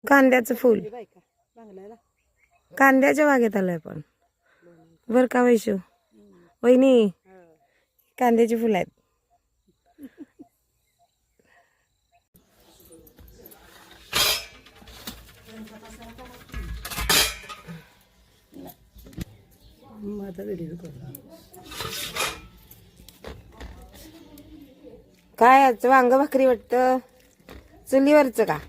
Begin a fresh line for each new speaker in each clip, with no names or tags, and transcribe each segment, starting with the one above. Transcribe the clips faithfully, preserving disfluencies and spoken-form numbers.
कांद्याचं फुल कांद्याच्या बागेत आलोय पण बर का वैशू वहिनी कांद्याची फुलं आहेत. काय आज वांग भाकरी वाटतं चुलीवरचं का?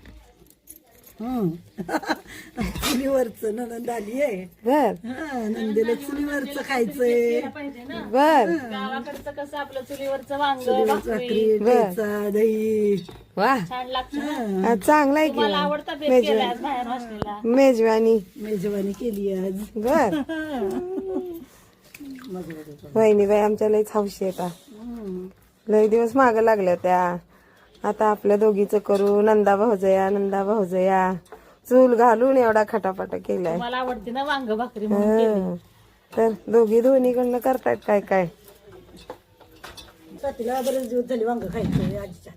चुलीवरच ननंद आली आहे.
बर
नंदेला चुलीवरच खायचंय.
बर
गावाकडचं कसं आपलं चुलीवरचं वांग
चुलीवरच भाकरी ठेचा दही
वा
छान लागतं.
आज चांगला आहे
मला
की
आवडता बेत केलाय आज बाहेर हॉस्टेलला.
मेजवानी
मेजवानी केली आज.
बर वहिनी बाई आमच्या लईच हौशी येता लई दिवस माग लागल्या त्या. आता आपल्या दोघीचं करू नंदा भाऊजया नंदा भाऊजया चूल घालून एवढा खटापटा केलाय.
मला आवडते ना वांग भाकरी म्हणून केली.
हं. तर दोघी दोन्हीकडनं करतायत काय काय.
तिला बरेच दिवस झाले वांग खायचंय आजीच्या.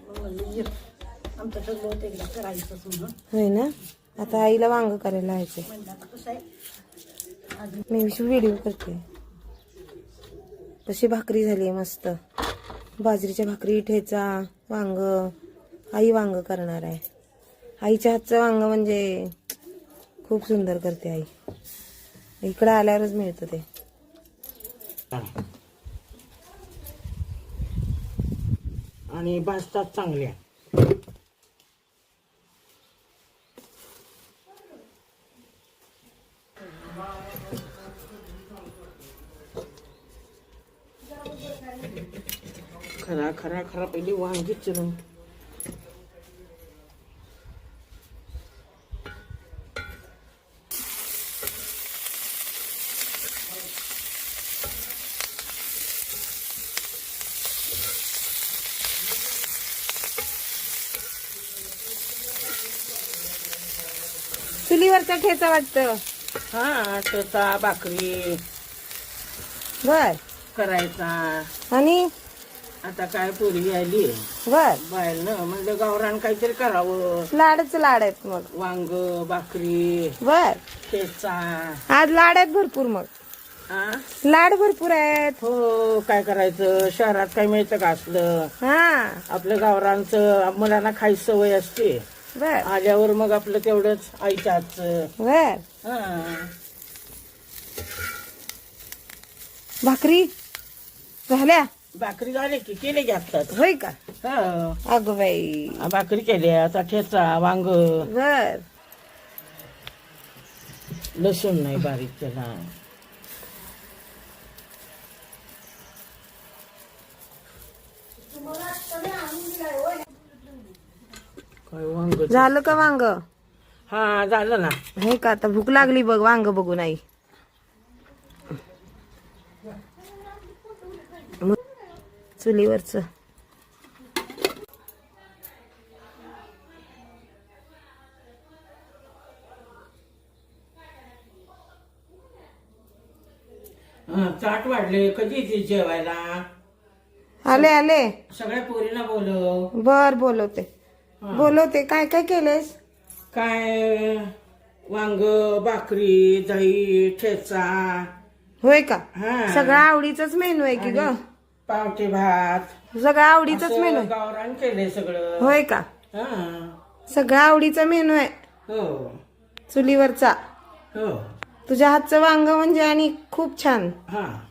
आमचं ठरलं होतं एकदा करायचं म्हणून.
होय ना आता आईला वांग करायला यायचे.
कसं आहे
मी व्हिडिओ करते. तशी भाकरी झाली मस्त बाजरीच्या भाकरी ठेचा वांग. आई वांग करणार आहे. आईच्या हातचं वांग म्हणजे खूप सुंदर करते आई. इकडं आल्यावरच मिळतं ते.
आणि भाजतात चांगल्या. खरा खरा खरा पहिली वांगी चिरून
चुलीवरचा ठेचा वाटतं.
हा ठेचा भाकरी
बर
करायचा.
आणि
आता काय पोरगी आली
बर
बाहेर ना म्हणजे गावरान काहीतरी करावं.
लाडच लाड आहेत मग.
वांग भाकरी
बर
ठेचा.
आज लाड आहेत भरपूर मग.
हा
लाड भरपूर आहेत.
हो काय करायचं शहरात काय मिळतं का असलं.
हा
आपलं गावरांचं मुलांना खायची सवय असते.
बर
आल्यावर मग आपलं तेवढंच आईच्या हातचं.
बर
हा
भाकरी झाल्या
भाकरी झाली की केले की आत्ताच.
होय का?
हो
अगं बाई
भाकरी केल्या आता ठेचा वांग
बर
लसूण नाही बारीक केला. काय वांग
झालं का वांग?
हा झालं ना.
हे का आता भूक लागली बघ वांग बघून आई. चुलीवरच
हा, चाट वाढले कधी येते जेवायला.
आले आले
सगळ्या पोरीला बोलव.
बर बोलवते बोलवते. काय काय केलेस?
काय वांग भाकरी दही ठेचा.
होय का?
हा
सगळं आवडीचाच मेनू आहे की ग.
पावटे भात
सगळं आवडीचाच मेनू आहे.
गावरान केलंय सगळं.
होय का?
हा
सगळं आवडीचा मेनू आहे
हो
चुलीवरचा.
हो
तुझ्या हातचं वांग म्हणजे आणि खूप छान.
हा